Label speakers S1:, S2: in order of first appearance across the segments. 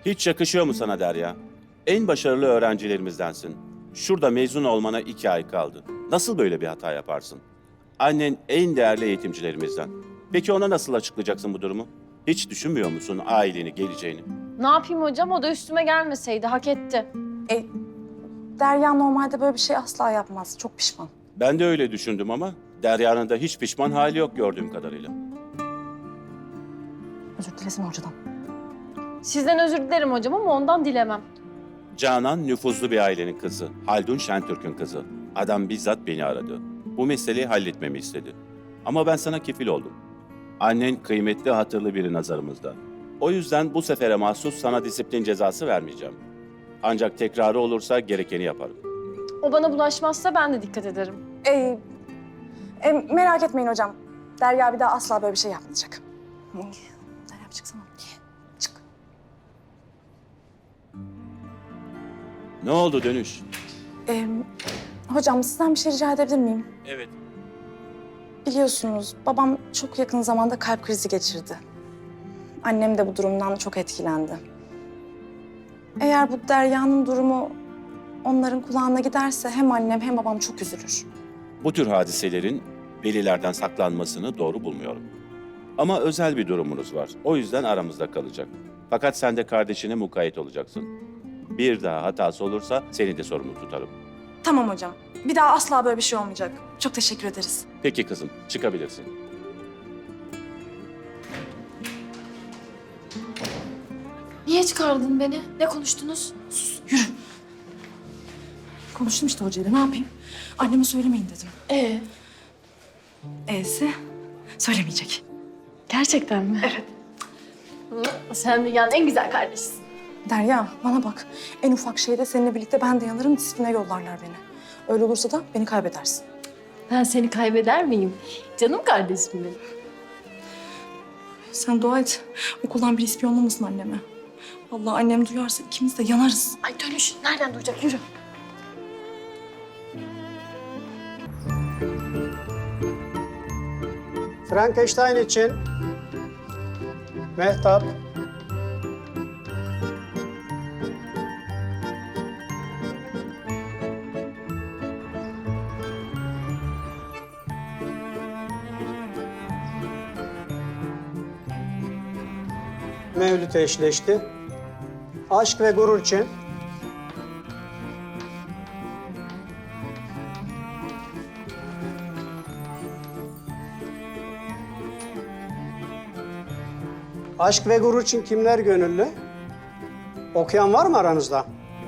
S1: Hiç yakışıyor mu sana Derya? En başarılı öğrencilerimizdensin. Şurada mezun olmana 2 ay kaldı. Nasıl böyle bir hata yaparsın? Annen en değerli eğitimcilerimizden. Peki ona nasıl açıklayacaksın bu durumu? Hiç düşünmüyor musun aileni, geleceğini?
S2: Ne yapayım hocam? O da üstüme gelmeseydi. Hak etti.
S3: Derya normalde böyle bir şey asla yapmaz. Çok pişman.
S1: Ben de öyle düşündüm ama Derya'nın da hiç pişman hali yok gördüğüm kadarıyla.
S3: Özür dilesin hocadan.
S2: Sizden özür dilerim hocam ama ondan dilemem.
S1: Canan nüfuzlu bir ailenin kızı. Haldun Şentürk'ün kızı. Adam bizzat beni aradı. Bu meseleyi halletmemi istedi. Ama ben sana kefil oldum. Annen kıymetli, hatırlı biri nazarımızda. O yüzden bu sefere mahsus sana disiplin cezası vermeyeceğim. Ancak tekrarı olursa gerekeni yaparım.
S2: O bana bulaşmazsa ben de dikkat ederim.
S3: Merak etmeyin hocam. Derya bir daha asla böyle bir şey yapmayacak. Derya çıksana. Çık.
S1: Ne oldu dönüş?
S3: Hocam sizden bir şey rica edebilir miyim?
S1: Evet.
S3: Biliyorsunuz babam çok yakın zamanda kalp krizi geçirdi. Annem de bu durumdan çok etkilendi. Eğer bu Derya'nın durumu onların kulağına giderse hem annem hem babam çok üzülür.
S1: Bu tür hadiselerin velilerden saklanmasını doğru bulmuyorum. Ama özel bir durumunuz var. O yüzden aramızda kalacak. Fakat sen de kardeşine mukayyet olacaksın. Bir daha hatası olursa seni de sorumlu tutarım.
S3: Tamam hocam. Bir daha asla böyle bir şey olmayacak. Çok teşekkür ederiz.
S1: Peki kızım, çıkabilirsin.
S2: Niye çıkardın beni? Ne konuştunuz?
S3: Yürü. Konuştum işte hocayla. Ne yapayım? Anneme söylemeyin dedim. E'si söylemeyecek.
S2: Gerçekten mi? Evet. Sen dünyanın en güzel kardeşisin.
S3: Derya bana bak. En ufak şeyde seninle birlikte ben de yanarım. Disipline yollarlar beni. Öyle olursa da beni kaybedersin.
S2: Ben seni kaybeder miyim? Canım kardeşim benim.
S3: Sen dua et. Okuldan bir ispiyonlamasın anneme. Vallahi annem duyarsa ikimiz de yanarız.
S2: Ay dönüş. Nereden duyacak? Yürü.
S4: Frankenstein için Mehtap, Mevlüt eşleşti. Aşk ve gurur için Aşk ve gurur için kimler gönüllü? Okuyan var mı aranızda?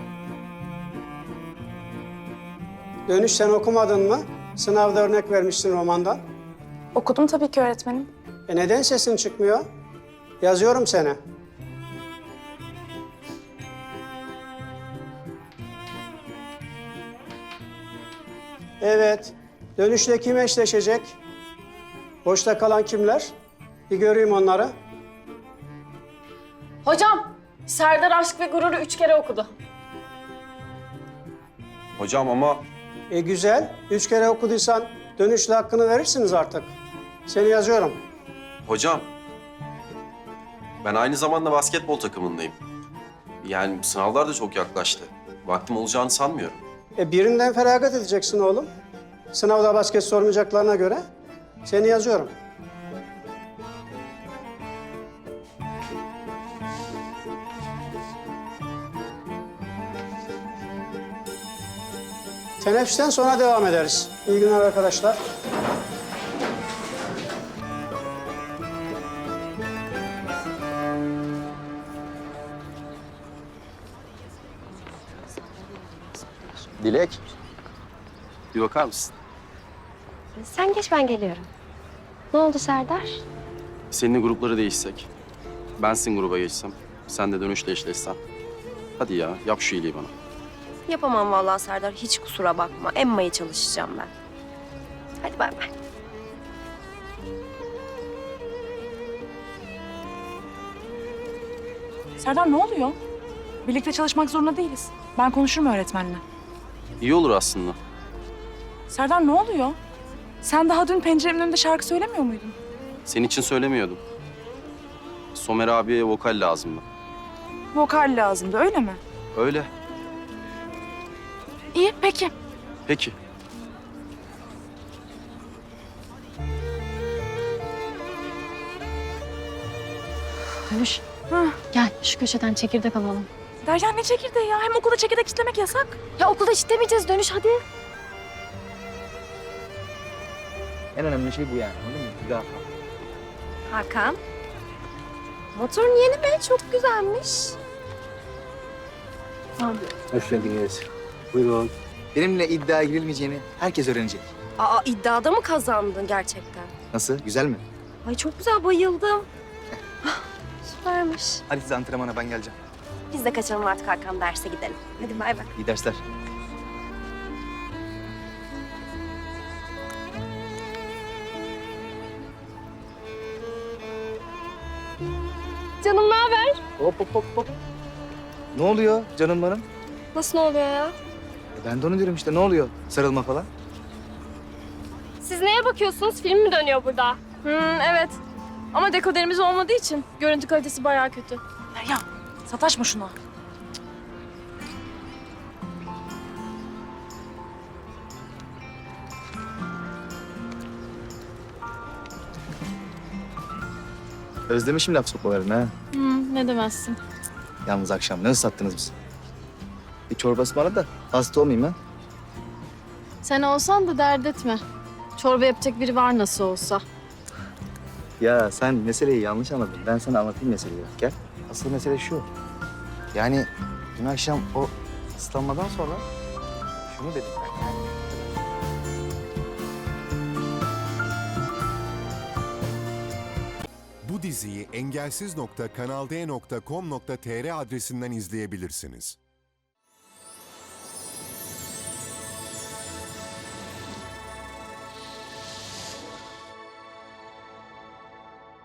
S4: Dönüş sen okumadın mı? Sınavda örnek vermişsin romandan.
S3: Okudum tabii ki öğretmenim.
S4: Neden sesin çıkmıyor? Yazıyorum seni. Evet. Dönüşle kim eşleşecek? Boşta kalan kimler? Bir göreyim onları.
S2: Hocam, Serdar Aşk ve Gurur'u 3 kere okudu.
S5: Hocam ama
S4: Güzel. 3 kere okuduysan dönüşle hakkını verirsiniz artık. Seni yazıyorum.
S5: hocam ben aynı zamanda basketbol takımındayım. Yani sınavlar da çok yaklaştı. Vaktim olacağını sanmıyorum.
S4: Birinden feragat edeceksin oğlum. Sınavda basket sormayacaklarına göre seni yazıyorum. Teneffüsten sonra devam ederiz. İyi günler arkadaşlar.
S5: Dilek. Bir bakar mısın?
S6: Sen geç, ben geliyorum. Ne oldu Serdar?
S5: Seninle grupları değişsek. Ben sizin gruba geçsem. Sen de dönüşle eşleşsen. Hadi ya yap şu iyiliği bana.
S6: Yapamam vallahi Serdar, hiç kusura bakma. Emma'ya çalışacağım ben. Hadi bay bay.
S7: Serdar ne oluyor? Birlikte çalışmak zorunda değiliz. Ben konuşurum öğretmenle.
S5: İyi olur aslında.
S7: Serdar ne oluyor? Sen daha dün penceremin önünde şarkı söylemiyor muydun?
S5: Senin için söylemiyordum. Somer abiye vokal lazımdı.
S7: Vokal lazımdı, öyle mi?
S5: Öyle.
S7: İyi, peki.
S5: Peki.
S2: Dönüş.
S7: Hah.
S2: Gel şu köşeden çekirdek alalım.
S7: Derya ne çekirdeği ya? Hem okulda çekirdek istemek yasak.
S2: Ya okulda istemeyeceğiz Dönüş hadi.
S8: En önemli şey bu yani. Anladın mı? Müdafaa.
S6: Hakan. Motorun yeni mi? Çok güzelmiş.
S8: Hoş geldiniz. Buyurun. Benimle iddiaya girilmeyeceğini herkes öğrenecek.
S6: Aa, iddiada mı kazandın gerçekten?
S8: Nasıl? Güzel mi?
S6: Ay çok güzel, bayıldım. Süpermiş.
S8: Hadi siz antrenmana, ben geleceğim.
S6: Biz de kaçalım artık Hakan, derse gidelim. Hadi bay bay.
S8: İyi dersler.
S6: Canım ne haber?
S8: Hop hop hop hop. Ne oluyor canım benim?
S6: Nasıl ne oluyor ya?
S8: Ben de onu diyorum işte, ne oluyor? Sarılma falan.
S2: Siz neye bakıyorsunuz? Film mi dönüyor burada? Evet. Ama dekoderimiz olmadığı için görüntü kalitesi bayağı kötü.
S7: Derya, sataşma şuna.
S8: Özlemişim laf sokmalarını ha.
S2: Ne demezsin.
S8: Yalnız akşam ne ıslattınız bizi? Bir çorbası bana da hasta olmayayım ha.
S2: Sen olsan da dert etme. Çorba yapacak biri var nasıl olsa.
S8: Ya sen meseleyi yanlış anladın. Ben sana anlatayım meseleyi. Gel. Asıl mesele şu. Yani dün akşam o ıslanmadan sonra şunu dedim ben. Yani
S9: Bu diziyi engelsiz.kanalde.com.tr adresinden izleyebilirsiniz.